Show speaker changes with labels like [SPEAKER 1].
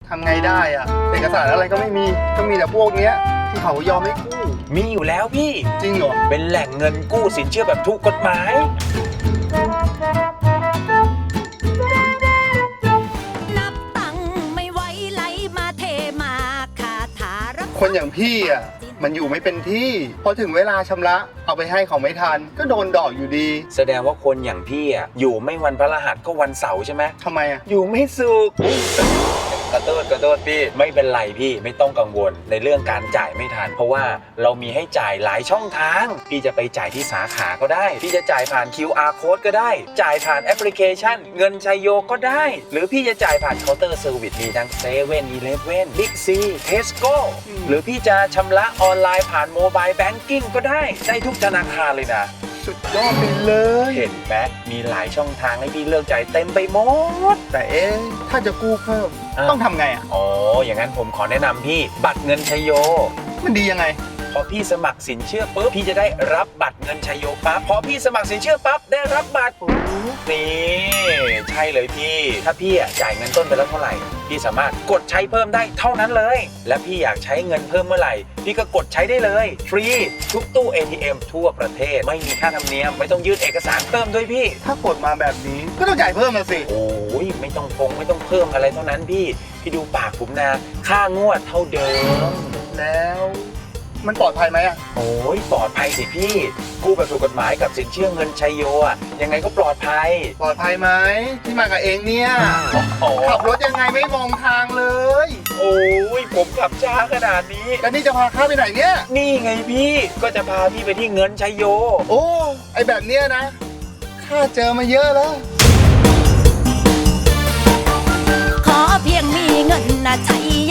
[SPEAKER 1] ทำไงได้อะเอกสารอะไรก็ไม่มีก็มีแต่พวกเนี้ยที่เขายอมให้กู้
[SPEAKER 2] มีอยู่แล้วพี่
[SPEAKER 1] จริงเหรอ
[SPEAKER 2] เป็นแหล่งเงินกู้สินเชื่อแบบถูกกฎหมาย
[SPEAKER 3] นับตังค์ไม่ไหวไหลมาเทมาคาถารัก
[SPEAKER 1] คนอย่างพี่อ่ะมันอยู่ไม่เป็นที่พอถึงเวลาชำระเอาไปให้เขาไม่ทันก็โดนดอกอยู่ดี
[SPEAKER 2] แสดงว่าคนอย่างพี่อ่ะอยู่ไม่วันพฤหัสก็วันเสาร์ใช่ไหม
[SPEAKER 1] ทำไมอ่ะ
[SPEAKER 2] อยู่ไม่สุขกระโดดพี่ไม่เป็นไรพี่ไม่ต้องกังวลในเรื่องการจ่ายไม่ทัน เพราะว่าเรามีให้จ่ายหลายช่องทางพี่จะไปจ่ายที่สาขาก็ได้พี่จะจ่ายผ่าน QR code ก็ได้จ่ายผ่านแอปพลิเคชันเงินชัยโยก็ได้ หรือพี่จะจ่ายผ่านเคาน์เตอร์เซอร์วิสมีทั้งเซเว่นอีเลฟเว่นบิ๊กซีเทสโก้หรือพี่จะชำระออนไลน์ผ่านโมบายแบงกิ้งก็ได้ทุกธนาคารเลยนะ
[SPEAKER 1] สุดยอดไปเลย
[SPEAKER 2] เห็นไหมมีหลายช่องทางให้พี่เลือกจ่ายเต็มไปหมด
[SPEAKER 1] แต่ถ้าจะกู้เพิ่มต้องทำไงอ่ะ
[SPEAKER 2] อ๋อ อย่างนั้นผมขอแนะนำพี่บัตรเงินชัยโย
[SPEAKER 1] มันดียังไง
[SPEAKER 2] พอพี่สมัครสินเชื่อปุ๊บพี่จะได้รับบัตรเงินชัยโยปั๊บพอพี่สมัครสินเชื่อปั๊บได้รับบัตรนี่ใช่เลยพี่ถ้าพี่จ่ายเงินต้นไปแล้วเท่าไหร่พี่สามารถกดใช้เพิ่มได้เท่านั้นเลยและพี่อยากใช้เงินเพิ่มเมื่อไหร่พี่ก็กดใช้ได้เลยฟรีทุกตู้ ATM ทั่วประเทศไม่มีค่าธรรมเนียมไม่ต้องยื่นเอกสารเพิ่มด้วยพี่
[SPEAKER 1] ถ้ากดมาแบบนี้ก็ต้องจ่ายเพิ่มมาสิ
[SPEAKER 2] โอ้ยไม่ต้องไม่ต้องเพิ่มอะไรเท่านั้นพี่ดูปากผมนะค่างวดเท่าเดิม
[SPEAKER 1] แล้วมันปลอดภัยไหมอ่ะ
[SPEAKER 2] โอ้ยปลอดภัยสิพี่กู้แบบถูกกฎหมายกับสินเชื่อเงินชัยโยอ่ะยังไงก็ปลอดภัย
[SPEAKER 1] ปลอดภัยไหมที่มากับเองเนี่ย
[SPEAKER 2] โอ้
[SPEAKER 1] ขับรถยังไงไม่มองทางเลย
[SPEAKER 2] โอ้ยผมขับช้าขนาดนี้
[SPEAKER 1] แล้วนี่จะพาข้าไปไหนเนี่ย
[SPEAKER 2] นี่ไงพี่ก็จะพาพี่ไปที่เงินชัยโย
[SPEAKER 1] โอ้ไอแบบเนี้ยนะข้าเจอมาเยอะแล้ว
[SPEAKER 3] ขอเพียงมีเงินนะใช้